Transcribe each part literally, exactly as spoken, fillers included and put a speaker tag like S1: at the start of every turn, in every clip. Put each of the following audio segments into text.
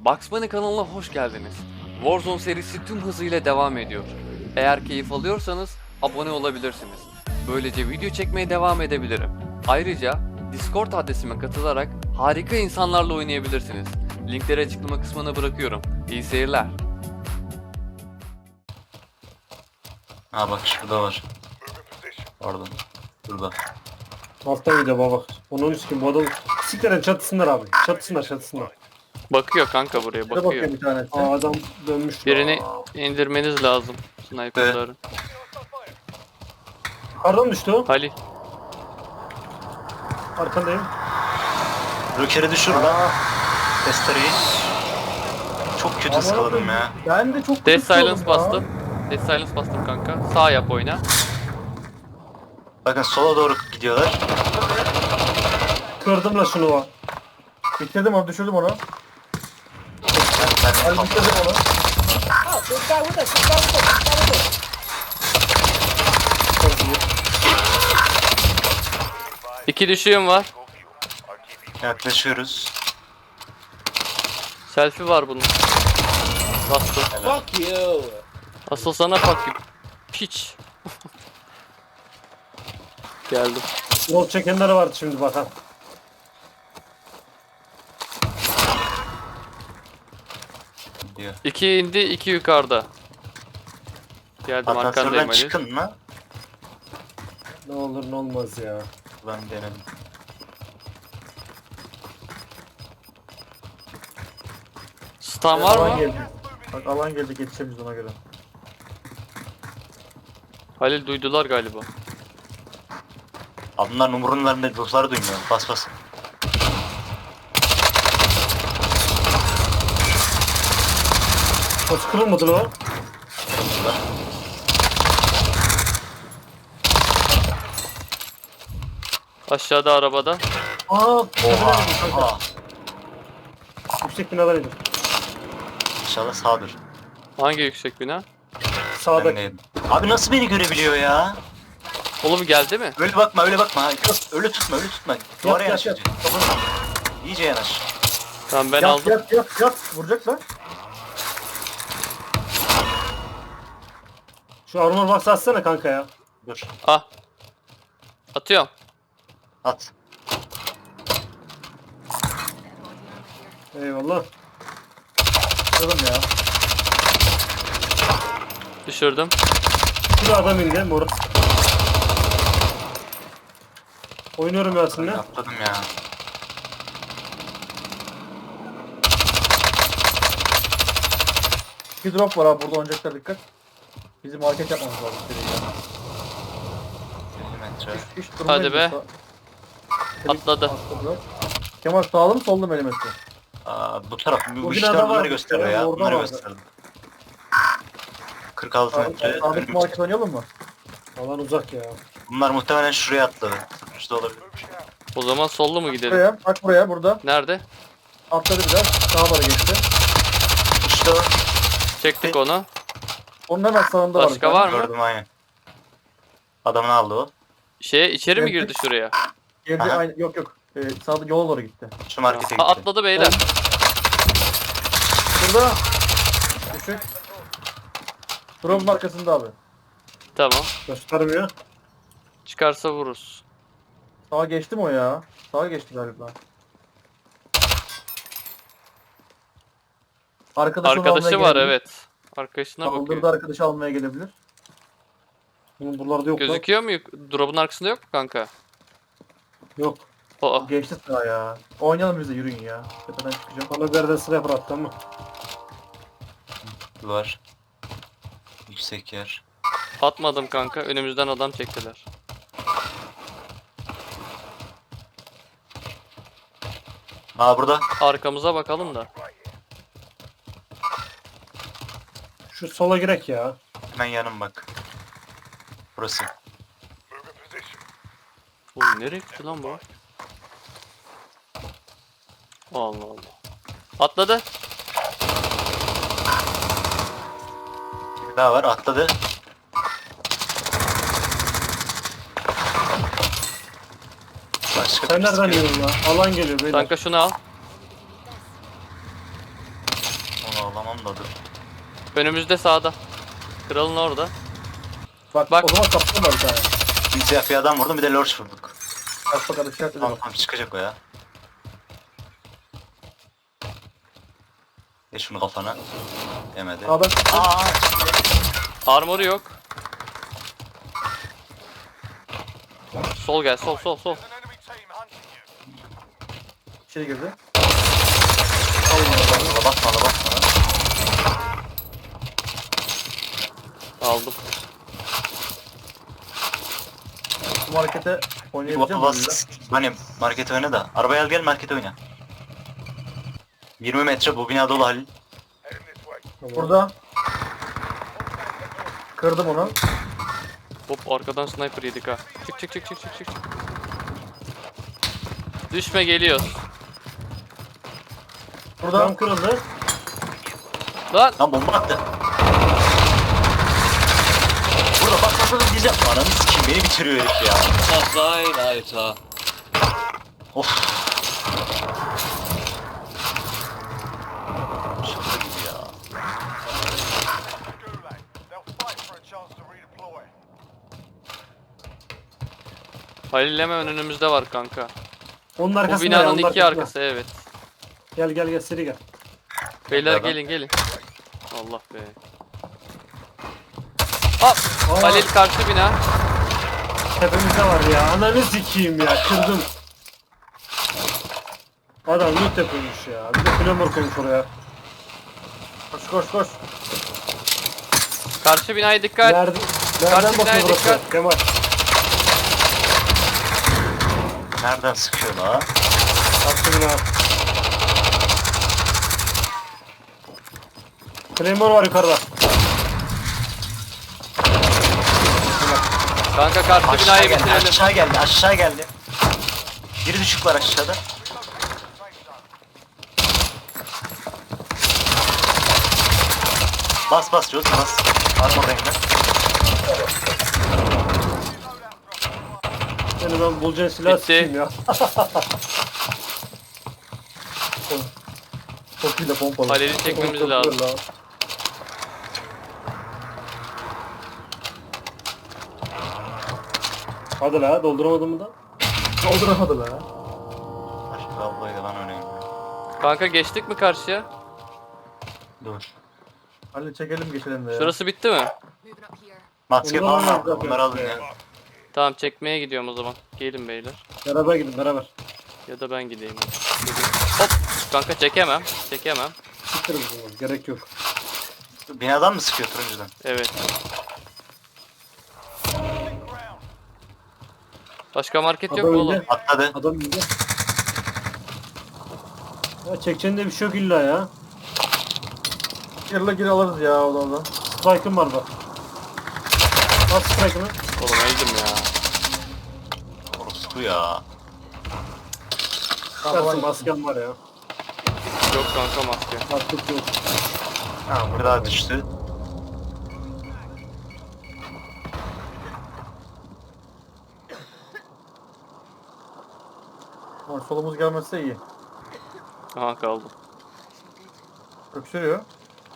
S1: Bugs Bunny kanalına hoş geldiniz. Warzone serisi tüm hızıyla devam ediyor. Eğer keyif alıyorsanız abone olabilirsiniz. Böylece video çekmeye devam edebilirim. Ayrıca Discord adresime katılarak harika insanlarla oynayabilirsiniz. Linkleri açıklama kısmına bırakıyorum. İyi seyirler.
S2: Ha bak şurada var. Pardon. Burada.
S3: Altta video baba. Onun üstü bu adam siklerin çatısınlar abi. Çatısınlar çatısınlar.
S1: Bakıyor kanka buraya
S4: Bakıyor
S1: bakıyor.
S4: bir tanesi.
S3: Aa adam dönmüş.
S1: Birini
S3: Aa.
S1: indirmeniz lazım. Sniper'ları.
S3: Pardon düştü o.
S1: Halil.
S3: Arkandayım.
S2: Röker'i düşür lan. Testereyi. Çok kötü ıskaladım ya.
S4: Ben de çok
S1: Death
S4: kötü oldum
S1: Silence
S4: ya.
S1: bastım. Death Silence bastım kanka. Sağ yap oyna.
S2: Bakın sola doğru gidiyorlar.
S3: Kırdım la şunu o.
S4: Bitirdim onu, düşürdüm onu.
S2: Ben, ben
S4: Hadi bitirdim onu.
S1: İki düşüğüm var.
S2: yaklaşıyoruz.
S1: Selfie var bunun. Bastım.
S5: Fuck you.
S1: Asıl sana fuck you. Piç. Geldim.
S3: Yol çekenleri vardı şimdi bak ha.
S2: Diyor.
S1: İki indi, iki yukarıda. Geldim arkandayım
S2: Asansörden
S1: Ali.
S2: çıkın mı?
S3: Ne olur ne olmaz ya.
S2: Ben denedim.
S1: Stun var
S4: Alan
S1: mı?
S4: geldi. Bak alan geldi, geçeceğiz ona göre.
S1: Halil duydular galiba.
S2: Abi bunlar umurunlarında dostları duymuyor. Bas bas.
S3: Nasıl kırılmadı lan o?
S2: Burada.
S1: Aşağıda arabada.
S3: Aa,
S2: Oha. Oha.
S3: yüksek binadan indim.
S2: İnşallah sağdır.
S1: Hangi yüksek bina?
S2: Ben
S3: Sağdaki.
S2: de yedim. Abi nasıl beni görebiliyor ya?
S1: Oğlum geldi mi?
S2: Öyle bakma öyle bakma. Yok, öyle tutma öyle tutma. Duvara
S4: yat,
S2: yanaş
S4: yat.
S2: iyice. İyice yanaş.
S1: Tamam ben
S4: yat,
S1: aldım.
S4: Yat yat yat. Vuracak lan.
S3: Şu armor box atsana kanka ya.
S2: Dur.
S1: Ah. Atıyorum.
S2: At.
S3: Eyvallah.
S4: Kırdım ya.
S1: Düşürdüm.
S3: Bir adam indi mor. Oynuyorum Yasin'le.
S2: Atladım ya.
S4: Bir drop var abi burada, oynayacaklar, dikkat. Bizim hareket yapmamız lazım.
S2: elli metre.
S4: Hiç, hiç
S1: Hadi be. Atladı.
S4: Atladı. Kemal sağlı mı sollu mu elimetre?
S2: Aa, bu taraf. Bu, bu
S3: O
S2: işte
S3: binada
S2: bunları
S3: var.
S2: gösteriyor
S3: Evet,
S2: ya.
S3: orada
S2: Bunları
S3: vardı.
S2: gösterdim. kırk altı metre.
S4: Sağdaki
S2: önümüz.
S4: market oynayalım mı?
S3: Alan uzak ya.
S2: Bunlar muhtemelen şuraya atladı. Şurada olabilir.
S1: O zaman sollu mu gidelim?
S4: Buraya, bak buraya, burada.
S1: Nerede?
S4: Atladı biraz, sağa doğru geçti.
S2: İşte o.
S1: Çektik onu.
S4: Onun hemen sağında var.
S1: Başka
S4: bir tane.
S1: var mı?
S2: Gördüm aynen. Adamını aldı o.
S1: Şeye içeri mi
S4: Evet.
S1: girdi şuraya?
S4: Geldi
S2: Aha.
S4: aynı, yok yok. Ee, sağda yola doğru gitti.
S2: Şu markete
S1: Ha,
S2: gitti.
S1: atladı beyler.
S4: Burada. Düşük. Drop'un arkasında abi.
S1: Tamam.
S3: Göstermiyor.
S1: Çıkarsa vururuz.
S4: Sağa geçti mi o ya? Sağa geçti galiba. Arkadaşı,
S1: Arkadaşı var evet. Arkadaşına
S4: Kaldırdı,
S1: bakıyor.
S4: arkadaşı almaya gelebilir.
S3: Bunun buralarda yok lan.
S1: Gözüküyor mu? yuk- Drop'un arkasında yok mu kanka?
S3: Yok.
S1: Aa,
S4: Geçti sağa ya. Oynayalım biz de, yürüyün ya. Tepeden çıkacağım.
S3: Bana bir yerden sniper attı ama.
S2: Var. Yüksek yer.
S1: atmadım kanka. Önümüzden adam çektiler.
S2: Aa burada.
S1: Arkamıza bakalım da.
S3: Şu sola girek ya.
S2: Hemen yanım bak. Burası.
S1: Oğlum nereye gitti lan bu? Allah Allah. Atladı.
S2: Bir daha var atladı. Başka
S3: Sen
S2: birisi
S3: nereden
S2: geliyor.
S3: yiyorsun ya? Alan geliyor beyler.
S1: Kanka şunu al.
S2: Ağlamam da dur.
S1: Önümüzde sağda. Kralın orada.
S4: Bak,
S1: Bak.
S4: o zaman kaptan var bir tane.
S2: Simsiyah bir adam vurdum bir de lorç vurduk.
S4: Bak bakalım işaretle
S2: Tamam
S4: bak.
S2: tamam çıkacak o ya. Geç şunu kafana. Yemedi.
S4: Aa bak.
S2: Aa,
S1: Armoru yok. Sol gel, sol sol sol.
S4: İçeri girdi.
S2: basma basma basma basma.
S1: Aldım.
S4: Bu harekete
S2: Bir
S4: oynayabileceğim
S2: bas
S4: miyim?
S2: bas. Hani market oyna da. Arabaya al gel market oyna. yirmi metre bu bina dolu Halil.
S3: Tamam.
S4: Burada. Kırdım onu.
S1: Hop arkadan sniper yedik ha. Çık çık çık çık çık çık. Düşme geliyoruz.
S4: Burada.
S3: Tam kırıldı.
S1: Lan
S2: Lan bomba attı. Burada bak bak bak diyeceğim. Ananı sikeyim beni bitiriyor herif ya. Of. Şaka gibi ya.
S1: Halil hemen önümüzde var kanka.
S3: Onun
S1: Bu
S3: arkasında. ya,
S1: binanın
S3: onun
S1: iki
S3: arkasında.
S1: arkası evet.
S3: Gel gel gel seri gel.
S1: Beyler
S2: Nereden?
S1: gelin gelin. Allah be. Hop.
S3: Aa.
S1: Halil karşı bina.
S3: Tepemizde var ya. Ananı sikeyim ya. Kırdım. Adam loot yapıyormuş ya. Bir de flamur koymuş oraya.
S4: Koş koş koş.
S1: Karşı binaya dikkat.
S3: Nerede,
S1: Karşı
S3: nereden bakıyor
S1: binaya
S3: burası?
S1: dikkat.
S3: Kemal.
S2: Nereden sıkıyor la?
S3: Attı bina. Claymore var yukarıda.
S1: Kanka karşı
S2: Aşağı
S1: binayı
S2: geldi,
S1: bitirelim.
S2: aşağı geldi, aşağı geldi. Biri düşük var aşağıda. Bas bas Joz bas. Armadayım ben.
S3: Seni ben bulacağın silah
S1: Bitti.
S3: sikeyim ya.
S4: Çok iyi de pompalı.
S1: Halil'i çekmemiz lazım.
S3: Hadi la dolduramadım mı da?
S4: Dolduramadı be.
S2: Başka ablayı da ben oynayayım.
S1: Kanka geçtik mi karşıya?
S2: Dur.
S4: Hadi çekelim geçelim de ya.
S1: Şurası bitti mi?
S2: Maske
S3: Bunlar
S2: falan
S3: var
S2: aldım.
S3: zaten.
S2: Onları alın ya.
S1: Tamam çekmeye gidiyorum o zaman. Gelin beyler.
S3: Beraber gidin beraber.
S1: Ya da ben gideyim. Hop. Kanka çekemem. Çekemem.
S3: Siktir bunu. Gerek yok.
S2: Binadan mı sıkıyor turuncudan?
S1: Evet. Başka market yok
S3: Adam
S1: mu oğlum?
S3: indi.
S2: Atladı.
S3: Adam indi. Ya çekeceğin de bir şey yok illa ya.
S4: Girle gir alırız ya oradan.
S3: Strike'ım var bak. Bak strike'ını.
S1: Oğlum öldüm ya.
S2: Orospu ya.
S3: Çıkarsın maskem var ya.
S1: Yok kanka maske.
S3: Artık yok.
S2: Ha bir daha düştü.
S4: Ama solumuz gelmezse iyi.
S1: Aha kaldım.
S4: Öksürüyor.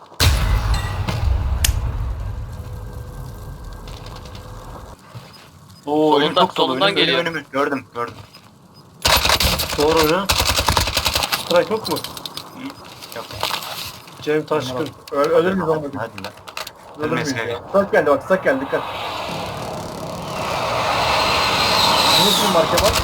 S2: Oo
S1: Solundan-
S2: önüm çok dolu.
S1: solundan
S2: Önüm, önüm,
S1: geliyor.
S2: önüm. Gördüm gördüm.
S3: Doğru oyna. Strike yok mu?
S2: Yok.
S3: Cem Taşkın.
S4: Öl ölür müyüz olmadı?
S2: Hadi lan.
S4: Ölür
S2: Ölmeyiz
S4: müyüz ya?
S2: kanka.
S4: Sak geldi bak sak geldi dikkat. Nasıl marka var?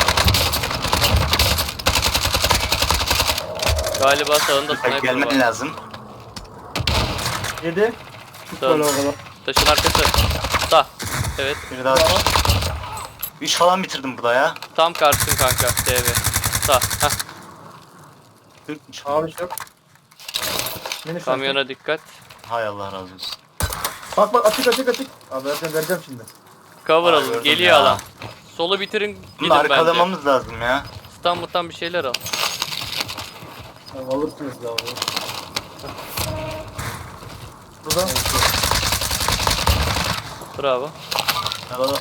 S1: Galiba sağında sniper
S2: Gelmen
S1: var.
S2: lazım.
S4: Yedi.
S3: Böyle o
S1: Dön.
S3: kadar.
S1: Taşın arkası. Sağ. Evet.
S2: Bir daha düştü. üç falan bitirdim burada ya.
S1: Tam karşın kanka. T V. Sağ. Heh.
S2: Üç.
S4: Abi yok. Mini şarkı.
S1: Kamyona dikkat.
S2: Hay Allah razı olsun.
S4: Bak bak açık açık açık. Abi vereceğim vereceğim şimdi.
S1: Cover
S2: Ay,
S1: alın.
S2: gördüm
S1: Geliyor
S2: ya.
S1: alan. Solu bitirin.
S2: Bunu
S1: Gidin bence.
S2: arkalamamız lazım ya.
S1: Stun mutan bir şeyler al.
S3: Tamam, alırsınız da onu.
S4: Burada.
S1: Bravo.
S2: Arada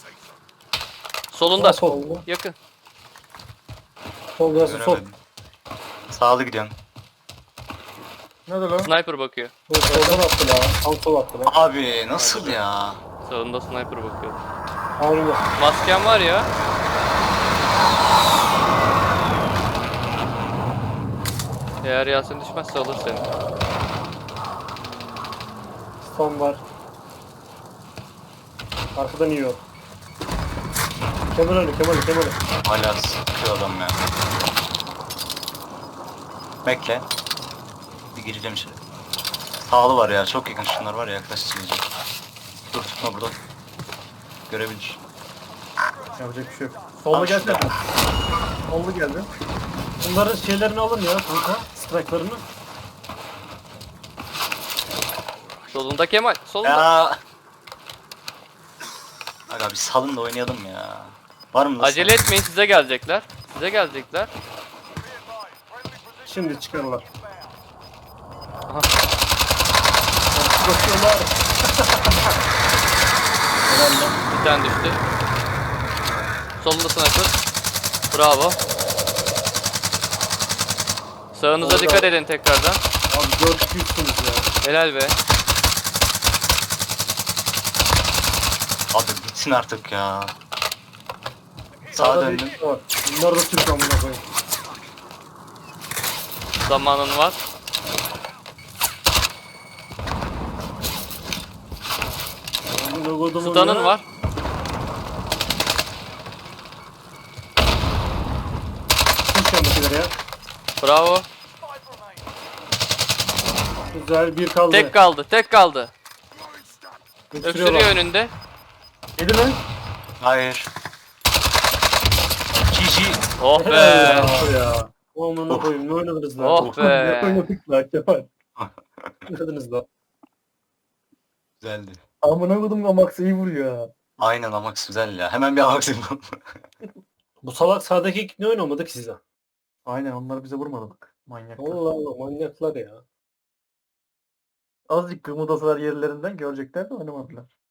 S1: Solunda.
S3: Sol.
S1: Yakın.
S3: Sol burası sol.
S2: göremedim. Sağlı gidiyorum.
S4: Nerede lan?
S1: Sniper bakıyor.
S3: Bu soldan attı la. Tam sol attı la.
S2: Abi nasıl ya?
S1: Sağında sniper bakıyor.
S3: Harbi.
S1: Masken var ya. Eğer Yasin düşmezse alır seni.
S3: Son var. Arkadan yiyor. Kemal önü, Kemal önü, Kemal önü.
S2: Hala sıkıyor adam ya. Bekle. Bir gireceğim içeri. Sağlı var ya, çok yakın şunlar var ya, yaklaştıracağım. Dur tutma burada. Görebilir.
S4: Yapacak bir şey yok. Solda
S2: Al
S4: gelsene.
S2: şurada.
S4: Solda geldi.
S3: Bunların şeylerini alın ya kanka. Strike'larını.
S1: Solunda Kemal. Solunda.
S2: Ya. Aga bir salın da oynayalım ya. Var mı?
S1: Acele etmeyin, size gelecekler. Size gelecekler.
S3: Şimdi çıkarlar.
S1: Aha.
S3: Bakıyorlar.
S1: Bir tane düştü. Solunda sniper. Bravo. Sağınıza
S3: Orada.
S1: dikkat edin tekrardan.
S3: Abi dört yüzsünüz ya.
S1: Helal be.
S2: Abi bitsin artık ya. Sağa
S3: Sağda
S2: döndüm.
S3: bir var. Bunlar da Türk amına koyayım.
S1: Zamanın var.
S3: Amına kodumun
S1: Stun'ın
S3: ya.
S1: var.
S3: Türk yandakiler ya.
S1: Bravo.
S3: Güzel bir kaldı.
S1: Tek kaldı. Tek kaldı.
S3: Götürüyorlar.
S1: Öksürüyor önünde.
S4: Yedi mi?
S2: Hayır. G G.
S1: Oh
S3: Helal
S1: be.
S3: ya. ya. Amına koyayım ne oynadınız lan?
S1: Oh
S4: Ne
S1: be.
S4: oynadık lan Kemal?
S3: Ne oynadınız lan?
S2: Güzeldi.
S4: Amına kodum Amax iyi vuruyor ya.
S2: Aynen Amax güzel ya. Hemen bir Amax yapalım.
S3: Bu salak sağdaki ekip ne oynamadı ki size?
S4: Aynen onlar bize vurmadık. Manyak.
S3: Allah Allah manyaklar ya.
S4: Azıcık kımıldasalar yerlerinden görecekler de oynamadılar.